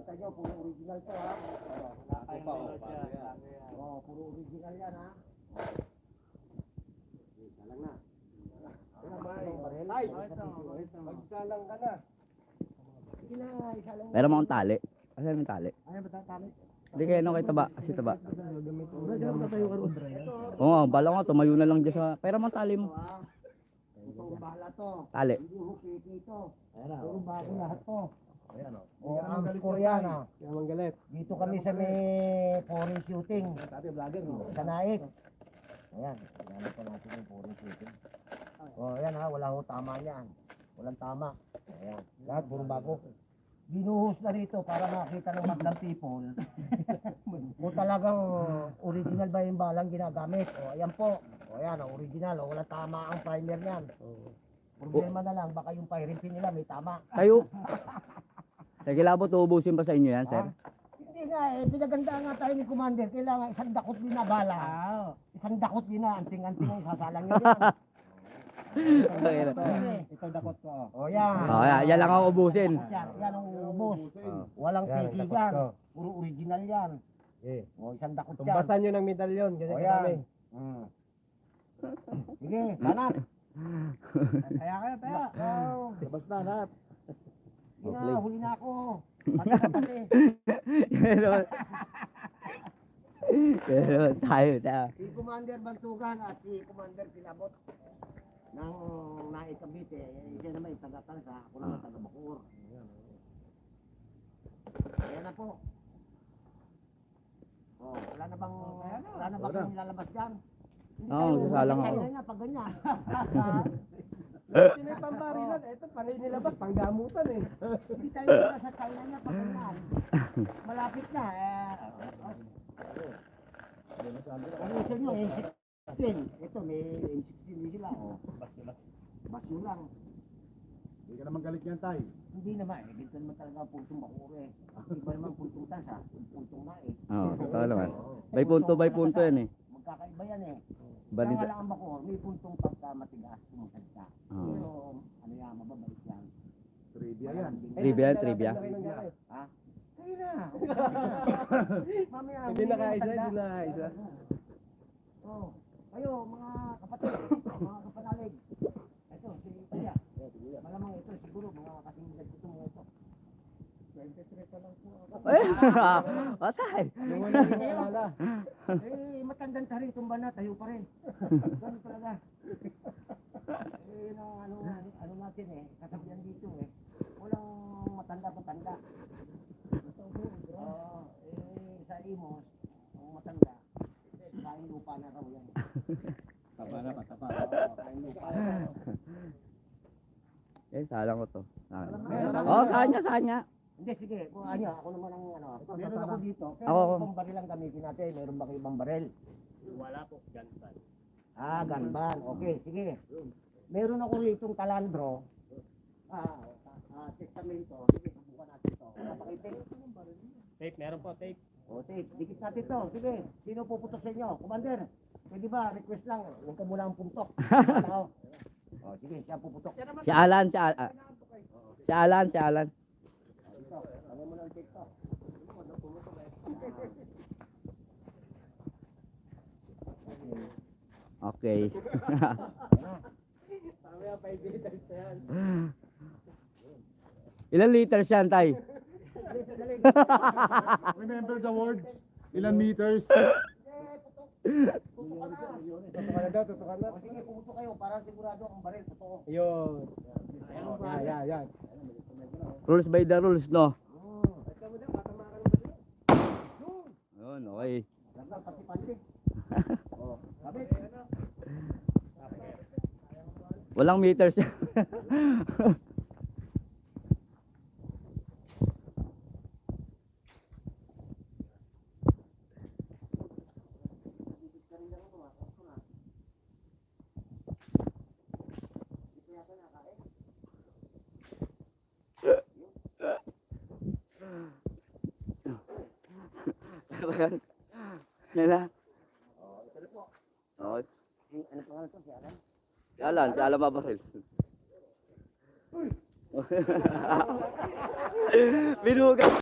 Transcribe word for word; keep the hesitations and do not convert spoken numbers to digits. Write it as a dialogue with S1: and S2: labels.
S1: Kita nyo, puro original to ha. Oh, puro original yan ha. Isa lang na.
S2: Ay, magsalang ka na.
S1: Sige na, isa lang.
S3: Meron mo akong tali. Asan yung tali?
S1: Ano ba tatali?
S3: Hindi kayo nung kay taba. Kasi taba.
S1: Ito,
S3: Oo nga, bala ko tumayo na lang dyan sa... Pero mo ang tali mo.
S1: ha. Ito, bahala to.
S3: Tali.
S1: Hindi ho, piki ito.
S2: Ayan
S1: Puro bago lahat to.
S2: Ayan o.
S1: O, ang Korean ha.
S2: Kaya mang galit.
S1: Dito kami sa may foreign shooting.
S2: Dati vlogger mo.
S1: Sa Naik. Ayan, gamit pa natin yung foreign shooting. O, ayan ha, wala ho tama niyan. Walang tama. Ayan, lahat puro bago. Binuhos na rito para makita ng maglang people kung talagang original ba yung balang ginagamit. O, ayan po. O, ayan, o, original. O, walang tama ang primer niyan. Problema na lang, baka yung firing pin nila may tama.
S3: Kayo. Sige labot, uubusin pa sa inyo yan, sir?
S1: Ha? Hindi nga eh, pinaganda nga tayo ni Commander. Kailangan isang dakot din na bala. Isang dakot din na, anting-anting ang sasalang nyo yan.
S2: Ito dakot ko.
S1: O yan.
S3: Oh, yan, yan lang ang ubusin.
S1: Yan, yan ang ubos. Walang piki yan. Puro original yan.
S2: Eh.
S1: O isang dakot yan.
S2: Tumbasan nyo ng medalyon.
S1: O
S2: Ganyan
S1: yan.
S2: kami.
S1: Mm. Sige, banat.
S2: Kaya kaya, kaya.
S1: Oh,
S2: Labas na lahat.
S1: sige na, huli na ako. Pati na pati.
S3: Ganun. Ganun, tayo na.
S1: Si Commander Bantugan at si Commander Pilabot ng Naikabit eh. Siya naman yung taga-Tansa, ako naman taga-Bacoor. Ayan na po. Oh, wala na bang wala na bang lalabas diyan?
S3: Oo, sasalang ako.
S1: Kaya nga pag ganyan.
S2: Sino yung pambarilan? Ito, panay nilabas. Panggamutan eh.
S1: Hindi tayo wala sa China niya pag ganyan. Malapit na eh. Ano sa inyo, N sixteen. Ito, may N sixteen din sila. Oh. Bas mo lang.
S2: Hindi ka naman galit yan, tay.
S1: Hindi naman eh. Dito naman talaga ang puntong Bacoor eh. Iba naman puntong Tansa. Puntong na eh.
S3: Oo, totoo naman. By punto, by punto yan eh.
S1: Magkakaiba yan eh.
S3: Bali-
S1: Kaya nga lang ang Bacoor, may puntong pagka matigas, sumasagta.
S3: Oo.
S1: Pero ano yan, mababalik yan.
S2: Trivia yan.
S3: Trivia, trivia.
S1: Ha? Kaya na. Mamaya,
S2: Hindi
S1: huli
S2: na
S1: na yung
S2: kaisa,
S1: tanda.
S2: hindi na kaisa.
S1: Oh, kayo mga kapatid, mga kapanalig. Ito, si Kuya. Malamang ito siguro mga kasing edad ko mga ito. twenty-three pa lang po ako.
S3: Eh, patay.
S2: Yung wala yung naalala.
S1: Eh, matandang ta rin, tumba na, tayo pa rin. Ganun talaga. Eh, yun ang ano, ano natin eh, kasabihan dito eh. Walang matanda-matanda. Oo, eh, sa Imos, ang matanda, kain lupa na raw yan.
S2: Tapa na, patapa.
S1: Oo, kain lupa na raw.
S3: Eh, salang ko to. Salang.
S1: Meron ako
S3: Oh,
S1: dito.
S3: kanya, kanya.
S1: Hindi, sige, kung ano, ako naman ang ano, meron ako dito, pero
S3: Ako, ako.
S1: ibang baril ang gamitin natin, meron ba kayo ibang baril?
S2: Wala po, gansan.
S1: Ah, ganban. Okay, sige. Meron ako ritong talandro. Ah, ah, testamento. Sige, subukan natin to. Wala pa kayo tape?
S2: Tape, meron po, tape.
S1: O, tape. Dikit natin to. Sige, sino puputok sa inyo? Commander, pwede ba? Request lang. Huwag ka muna ang pumptok. Tao. O, sige, siya puputok.
S3: Si Alan, si Alan. Si Alan, si Alan.
S1: Ito, tawag mo lang ang tape to.
S3: Okay. Ilan liters yan, tay?
S2: Remember the words? Ilan meters? Tutukan na daw, tutukan na.
S1: O, sige, puputok kayo para sigurado ang baril. Totoo.
S2: Yun. Yan, yan, yan.
S3: Rules by the rules, no?
S1: Hmm.
S3: Yun, okay.
S1: Laglag pati panty. O, kabit.
S3: Walang meters yan. Ano ba yan? Yan na. Okay.
S1: Ano pangalan to? Si Alan?
S3: Si Alan, si Alan Mabaril. Binuga.